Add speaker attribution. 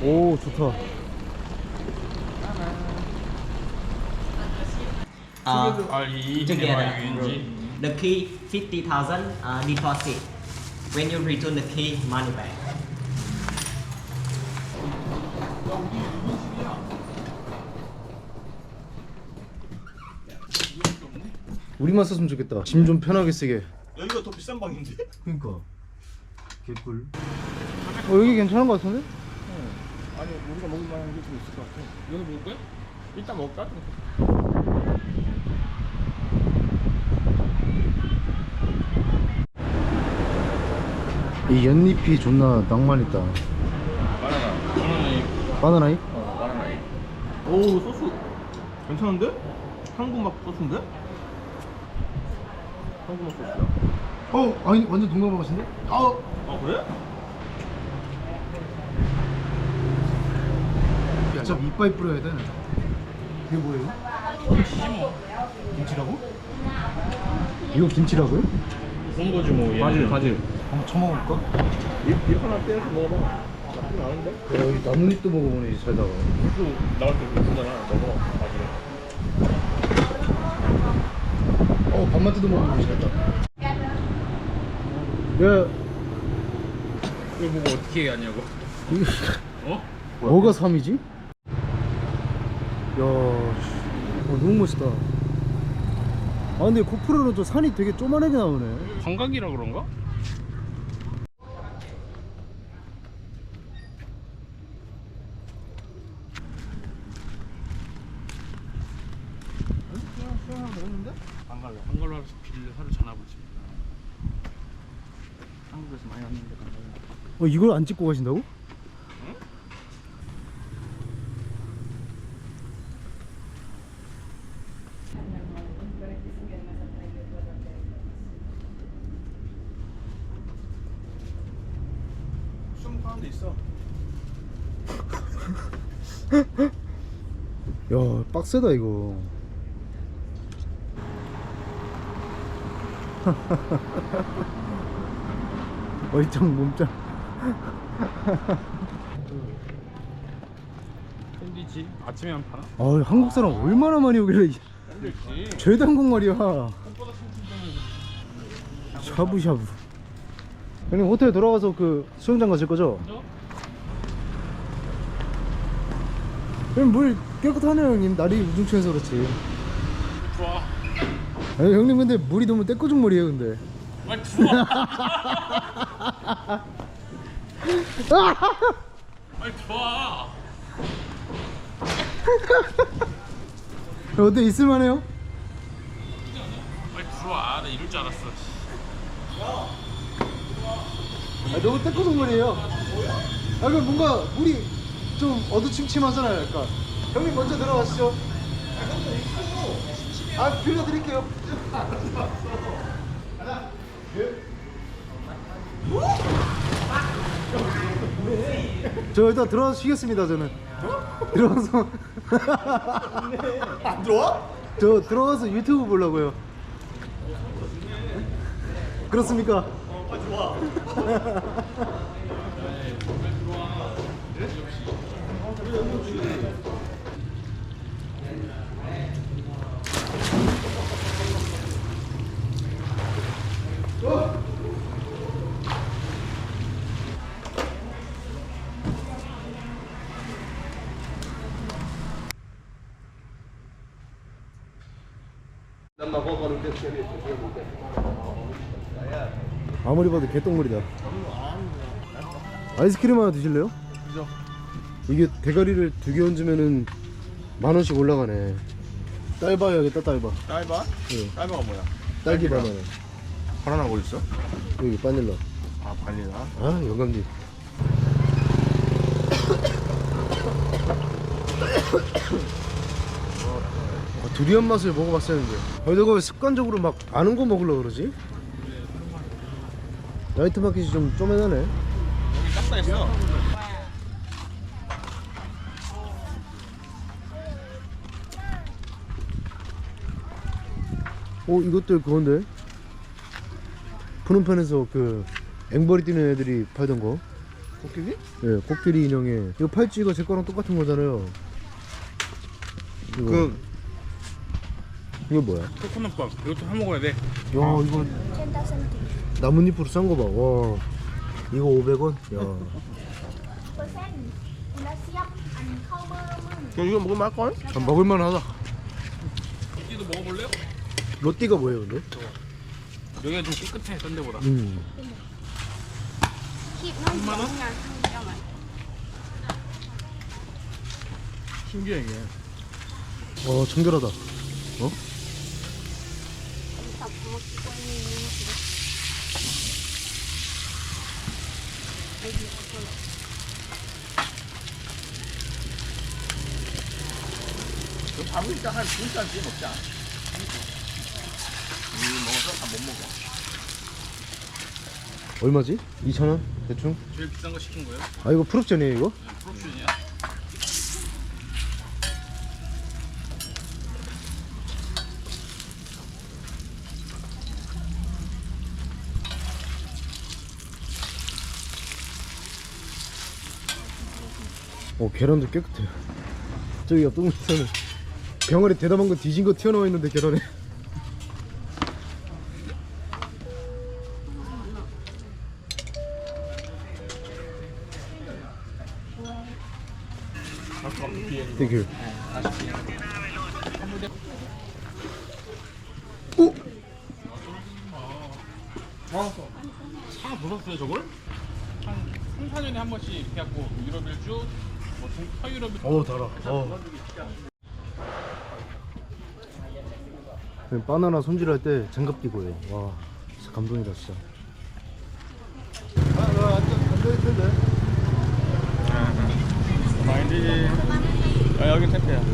Speaker 1: 오 좋다.
Speaker 2: Together. The key 50,000 deposit. When you return the key, money back.
Speaker 1: 우리만 썼으면 좋겠다. 짐 좀 편하게 쓰게.
Speaker 3: 여기가 더 비싼 방인데?
Speaker 1: 그러니까 개꿀. 여기 괜찮은 것 같은데?
Speaker 3: 아니 우리가 먹을 만한 게 좀 있을 것 같아.
Speaker 4: 이거 먹을 거야? 일단 먹을까?
Speaker 1: 이 연잎이 존나 낭만 있다. 바나나잎?
Speaker 3: 바나나이. 오 소스 괜찮은데? 한국맛 소스인데? 한국맛 소스야.
Speaker 1: 아니 완전 동남아 맛인데?
Speaker 3: 아 그래?
Speaker 1: 진짜 이빨 뿌려야 돼. 이게 뭐예요? 김치라고? 이거 김치라고요?
Speaker 4: 그런 거지 뭐.
Speaker 3: 바질.
Speaker 1: 한번 쳐먹어볼까?
Speaker 3: 잎 하나 떼서 먹어봐. 나쁘진 않은데?
Speaker 1: 야, 여기 나뭇잎도 먹어보네 살다가.
Speaker 4: 또 나올 때 그러잖아. 먹어. 나중에.
Speaker 1: 밥만 뜯어 먹으면 살다. 야,
Speaker 4: 이거 보고 어떻게 하냐고. 어?
Speaker 1: 뭐가 3이지? 야, 너무 멋있다. 근데 고프로는 또 산이 되게 쪼만하게 나오네.
Speaker 4: 관광이라 그런가? 한걸로 하면서 빌려 하루 전화 보지. 한국에서 많이 왔는데 관광.
Speaker 1: 이걸 안 찍고 가신다고? 응?
Speaker 3: 숨 파는 데 있어.
Speaker 1: 야, 빡세다 이거. 얼짱 몸짱.
Speaker 4: 샌드위치 아침에 안 파나?
Speaker 1: 한국 사람 얼마나 많이 오길래
Speaker 4: 샌드위치.
Speaker 1: 죄다 한국 말이야. 샤브샤브. 형님 호텔 돌아가서 그 수영장 가실 거죠? 형님 물 깨끗하네요 형님. 날이 우중충해서 그렇지.
Speaker 4: 좋아.
Speaker 1: 아니, 형님 근데 물이 너무 떼꾸중물이에요 근데.
Speaker 4: 아 좋아. 아니 좋아.
Speaker 1: 어때 있을만해요?
Speaker 4: 아니 들어와. 나 이럴 줄 알았어.
Speaker 1: 너무 떼꾸중물이에요. 그럼 뭔가 물이 좀 어두침침하잖아요 약간. 형님 먼저 들어가시죠. 빌려드릴게요. 저 일단 들어가서 쉬겠습니다 저는. 들어가서
Speaker 3: 안 들어와?
Speaker 1: 저 들어가서 유튜브 보려고요. 그렇습니까?
Speaker 3: 좋아.
Speaker 1: 아무리 봐도 개똥물이다. 아이스크림 하나 드실래요?
Speaker 3: 그죠.
Speaker 1: 이게 대가리를 2개 얹으면은 10,000원씩 올라가네. 딸바 해야겠다 딸바.
Speaker 3: 딸바?
Speaker 1: 네.
Speaker 3: 딸바가 뭐야?
Speaker 1: 딸기 바나나.
Speaker 3: 바나나 어디 있어?
Speaker 1: 여기 바닐라.
Speaker 3: 아 발리나?
Speaker 1: 영감님. 두리안 맛을 먹어봤었는데 내가 왜 습관적으로 막 아는 거 먹으려고 그러지? 나이트 마켓이 좀 쪼매나네.
Speaker 3: 여기 짝사했어.
Speaker 1: 이것도 그건데 푸른편에서 그 앵벌이 뛰는 애들이 팔던 거.
Speaker 3: 코끼리?
Speaker 1: 예, 코끼리 인형에 이거 팔찌 이거 제 거랑 똑같은 거잖아요. 이거 이거 뭐야?
Speaker 4: 코코넛밥 이것도 사 먹어야 돼.
Speaker 1: 야 이거 나뭇잎으로 싼 거 봐. 와 이거 500원? 야
Speaker 3: 이거 먹으면 할걸?
Speaker 1: 먹을만 하다.
Speaker 4: 이도 먹어볼래요?
Speaker 1: 로띠가 뭐예요 근데?
Speaker 4: 여기가 좀 깨끗해 딴 데보다.
Speaker 5: 10만 원?
Speaker 3: 신기해 이게.
Speaker 1: 청결하다.
Speaker 3: 밥을 일단 한 2잔씩 먹자. 먹어서 다 못 먹어.
Speaker 1: 얼마지? 2,000원? 대충?
Speaker 4: 제일 비싼 거 시킨 거예요?
Speaker 1: 아 이거 풀옵션이에요 이거?
Speaker 4: 프로옵션이야.
Speaker 1: 계란도 깨끗해요. 저기 옆 동네에서는 병아리 대담한 거 뒤진 거 튀어나와 있는데 계란에. 땡큐. 오!
Speaker 4: 사 보셨어요 저걸? 한 3, 4년에 한 번씩 이렇게 갖고 유럽 일주, 뭐 서유럽 일주.
Speaker 1: 달아. 바나나 손질할 때 장갑 끼고 해요. 와, 진짜 감동이다 진짜.
Speaker 3: 마인드. 여긴 택배야.